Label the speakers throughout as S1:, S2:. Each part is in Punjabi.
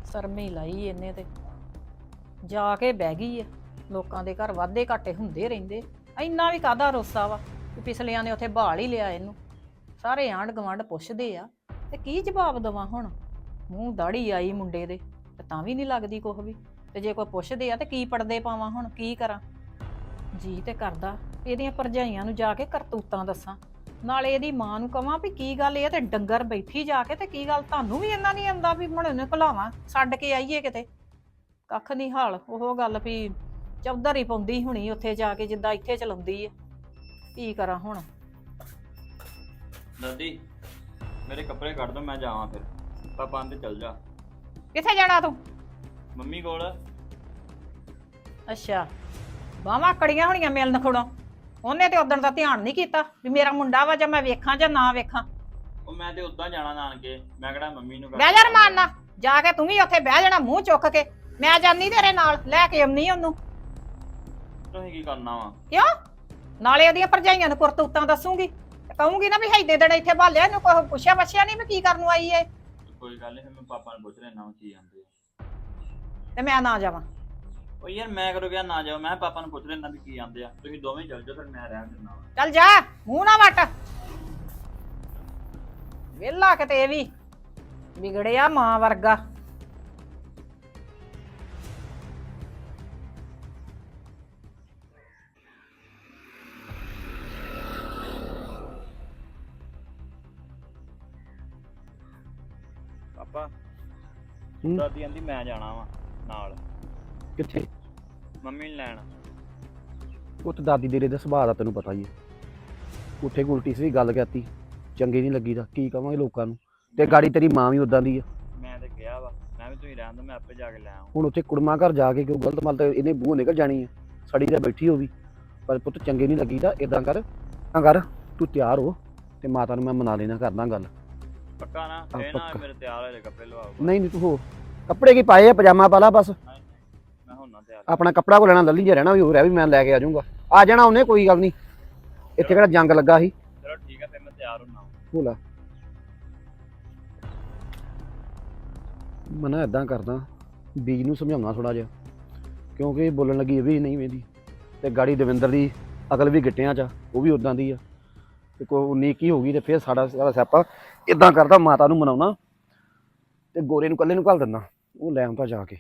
S1: ਸਰਮੀ ਲਾਈ ਇਹਨੇ ਤੇ ਜਾ ਕੇ ਬਹਿ ਗਈ ਐ। ਲੋਕਾਂ ਦੇ ਘਰ ਵਾਧੇ ਘਾਟੇ ਹੁੰਦੇ ਰਹਿੰਦੇ, ਇੰਨਾ ਵੀ ਕਾਹਦਾ ਰੋਸਾ ਵਾ ਕਿ ਪਿਛਲਿਆਂ ਨੇ ਉੱਥੇ ਬਹਾਲ ਹੀ ਲਿਆ ਇਹਨੂੰ। ਸਾਰੇ ਆਂਢ ਗੁਆਂਢ ਪੁੱਛਦੇ ਆ ਤੇ ਕੀ ਜਵਾਬ ਦੇਵਾਂ ਹੁਣ। ਮੂੰਹ ਦਾੜੀ ਆਈ ਮੁੰਡੇ ਦੇ ਤੇ ਤਾਂ ਵੀ ਨਹੀਂ ਲੱਗਦੀ ਕੁਛ ਵੀ। ਤੇ ਜੇ ਕੋਈ ਪੁੱਛਦੇ ਆ ਤੇ ਕੀ ਪੜਦੇ ਪਾਵਾਂ, ਹੁਣ ਕੀ ਕਰਾਂ। ਜੀ ਤੇ ਕਰਦਾ ਇਹਦੀਆਂ ਭਰਜਾਈਆਂ ਨੂੰ ਜਾ ਕੇ ਕਰਤੂਤਾਂ ਦੱਸਾਂ, ਨਾਲੇ ਇਹਦੀ ਮਾਂ ਨੂੰ ਕਵਾਂ ਵੀ ਕੀ ਗੱਲ ਇਹ ਤੇ ਡੰਗਰ ਬੈਠੀ ਜਾ ਕੇ ਤੇ ਕੀ ਗੱਲ ਤੁਹਾਨੂੰ ਵੀ ਇਹਨਾਂ ਨਹੀਂ ਆਉਂਦਾ ਵੀ ਹੁਣ ਇਹਨੂੰ ਘਲਾਵਾਂ ਛੱਡ ਕੇ ਆਈਏ ਕਿਤੇ। ਕੱਖ ਨਹੀਂ ਹਾਲ, ਉਹ ਗੱਲ ਵੀ ਚੌਧਰ ਹੀ ਪਾਉਂਦੀ ਹੁਣੀ ਉੱਥੇ ਜਾ ਕੇ ਜਿੱਦਾਂ ਇੱਥੇ ਚਲਾਉਂਦੀ ਹੈ। ਕੀ ਕਰਾਂ ਹੁਣ।
S2: ਦਾਦੀ ਮੇਰੇ ਕੱਪੜੇ ਕੱਢ ਦੋ, ਮੈਂ ਜਾਵਾਂ ਫਿਰ। ਪਾਪਾ ਆਂਦੇ ਚੱਲ ਜਾ।
S1: ਕਿੱਥੇ ਜਾਣਾ ਤੂੰ?
S2: ਮੰਮੀ ਕੋਲ।
S1: ਅੱਛਾ, ਬਾਹਾਂ ਕੜੀਆਂ ਹੋਣੀਆਂ ਮਿਲਣ ਖੜੋ। ਉਹਨੇ ਤੇ ਉਦਣ ਦਾ ਧਿਆਨ ਨਹੀਂ ਕੀਤਾ ਵੀ ਮੇਰਾ ਮੁੰਡਾ ਵਾ ਜਾਂ ਮੈਂ ਵੇਖਾਂ ਜਾਂ ਨਾ ਵੇਖਾਂ।
S2: ਉਹ ਮੈਂ ਤੇ ਉਦਾਂ ਜਾਣਾ ਨਾਨਕੇ, ਮੈਂ ਕਿਹੜਾ ਮੰਮੀ ਨੂੰ
S1: ਬਹਿ ਜਾ ਰਮਾਨਾ ਜਾ ਕੇ, ਤੂੰ ਵੀ ਉੱਥੇ ਬਹਿ ਜਾਣਾ ਮੂੰਹ ਚੁੱਕ ਕੇ। ਮੈਂ ਜਾਨੀ ਤੇਰੇ ਨਾਲ, ਲੈ ਕੇ ਆਉਣੀ ਉਹਨੂੰ।
S2: ਤੁਸੀਂ ਕੀ ਕਰਨਾ ਵਾ?
S1: ਕਿਉਂ? ਨਾਲੇ ਉਹਦੀਆਂ ਭਰਜਾਈਆਂ ਨੂੰ ਕਰਤੂਤਾਂ ਦੱਸੂਗੀ, ਕਹੂੰਗੀ ਨਾ ਵੀ ਹੈਦੇ ਦਿਨ ਇੱਥੇ ਭਾਲਿਆ, ਇਹਨੂੰ ਕੋਈ ਪੁੱਛਿਆ ਬੱਛਿਆ ਨਹੀਂ ਵੀ ਕੀ ਕਰਨ ਨੂੰ ਆਈ ਏ।
S2: ਕੋਈ ਗੱਲ ਨਹੀਂ, ਫਿਰ ਮੈਂ ਪਾਪਾ ਨੂੰ ਪੁੱਛ ਲੈਣਾ ਕੀ ਆਂਦੇ।
S1: ਤੇ ਮੈਂ ਨਾ ਜਾਵਾਂ?
S2: ਉਹ ਯਾਰ ਮੈਂ ਕਰੋ ਗਿਆ ਨਾ ਜਾਓ, ਮੈਂ ਪਾਪਾ ਨੂੰ ਪੁੱਛ ਲੈਣਾ ਵੀ ਕੀ ਆਂਦੇ ਆ। ਤੁਸੀਂ ਦੋਵੇਂ ਚੱਲ ਜਾਓ, ਫਿਰ ਮੈਂ ਰਹਿਣ ਦਿੰਦਾ ਵਾ।
S1: ਚੱਲ ਜਾ, ਮੂੰਹ ਨਾ ਵੱਟ। ਵਿਹਲਾ ਕਿਤੇ ਇਹ ਵੀ ਵਿਗੜਿਆ ਮਾਂ ਵਰਗਾ।
S2: ਪਾਪਾ ਦਾਦੀ ਆਂਦੀ ਮੈਂ ਜਾਣਾ ਵਾ ਨਾਲ।
S3: ਕਿੱਥੇ?
S2: ਮੰਮੀ ਨੂੰ ਲੈਣ।
S3: ਉਹ ਤੇ ਦਾਦੀ ਤੇਰੇ ਦਾ ਸੁਭਾਅ ਦਾ ਤੈਨੂੰ ਪਤਾ ਹੀ ਹੈ। ਉੱਥੇ ਉਲਟੀ ਸੀ ਗੱਲ ਕਹਿਤੀ, ਚੰਗੀ ਨਹੀਂ ਲੱਗੀ ਦਾ ਕੀ ਕਵਾਂਗੇ ਲੋਕਾਂ ਨੂੰ। ਤੇ ਗਾੜੀ ਤੇਰੀ ਮਾਂ ਵੀ ਉਦਾਂ ਦੀ ਆ।
S2: ਮੈਂ ਤੇ ਕਿਹਾ ਵਾ, ਮੈਂ ਵੀ ਤੁਸੀਂ ਰਹਿਣ ਦੋ, ਮੈਂ ਆਪੇ ਜਾ ਕੇ ਲੈ ਆਵਾਂ।
S3: ਹੁਣ ਉੱਥੇ ਕੁੜਮਾ ਘਰ ਜਾ ਕੇ ਕਿਉਂ ਗਲਤ ਮਲ ਤੇ ਇਹਨੇ ਬੂਹ ਨਿਕਲ ਜਾਣੀ ਆ, ਸੜੀ ਤੇ ਬੈਠੀ ਹੋਵੀ। ਪਰ ਪੁੱਤ ਚੰਗੇ ਨਹੀਂ ਲੱਗੀ ਦਾ। ਇਦਾਂ ਕਰ ਤੂੰ ਤਿਆਰ ਹੋ ਤੇ ਮਾਤਾ ਨੂੰ ਮੈਂ ਮਨਾ ਲੈਣਾ, ਕਰਦਾ ਗੱਲ।
S2: ਪੱਕਾ ਨਾ? ਇਹ ਨਾ ਮੇਰੇ ਤਿਆਰ ਹੋਏ ਕੱਪੜੇ ਲਵਾਓ।
S3: ਨਹੀਂ ਤੂੰ ਹੋ, ਕੱਪੜੇ ਕੀ ਪਾਏ ਆ, ਪਜਾਮਾ ਪਾ ਲਾ ਬਸ।
S2: ਮੈਂ ਹੁਣ ਨਾ ਤਿਆਰ।
S3: ਆਪਣਾ ਕੱਪੜਾ ਕੋ ਲੈਣਾ ਲੱਲੀ ਜਿਹਾ ਰਹਿਣਾ ਵੀ ਹੋ ਰਿਹਾ ਵੀ ਮੈਂ ਲੈ ਕੇ ਆ ਜਾਊਂਗਾ। ਆ ਜਾਣਾ ਉਹਨੇ, ਕੋਈ ਗੱਲ ਨਹੀਂ। ਇੱਥੇ ਕਿਹੜਾ ਜੰਗ ਲੱਗਾ ਸੀ।
S2: ਚਲੋ ਠੀਕ ਆ, ਫਿਰ ਮੈਂ ਤਿਆਰ ਹੁੰਨਾ।
S3: ਭੋਲਾ ਮੈਂ ਨਾ ਇੱਦਾਂ ਕਰਦਾ, ਬੀਜ ਨੂੰ ਸਮਝਾਉਣਾ ਥੋੜਾ ਜਿਹਾ, ਕਿਉਂਕਿ ਬੋਲਣ ਲੱਗੀ ਇਹ ਵੀ ਨਹੀਂ ਵੇਂਦੀ। ਤੇ ਗਾੜੀ ਦਵਿੰਦਰ ਦੀ ਅਕਲ ਵੀ ਗਿੱਟਿਆਂ 'ਚ, ਉਹ ਵੀ ਉਦਾਂ ਦੀ ਆ। ਤੇ ਕੋਈ ਨੀਕੀ ਹੋ ਗਈ ਤੇ ਫਿਰ ਸਾਡਾ ਸਿਆਪਾ। ਇੱਦਾਂ ਕਰਦਾ, ਮਾਤਾ ਨੂੰ ਮਨਾਉਣਾ ਤੇ ਗੋਰੇ ਨੂੰ ਇਕੱਲੇ ਨੂੰ ਘੱਲ ਦਿੰਦਾ, ਉਹ ਲੈ ਆਉਂਦਾ ਜਾ ਕੇ।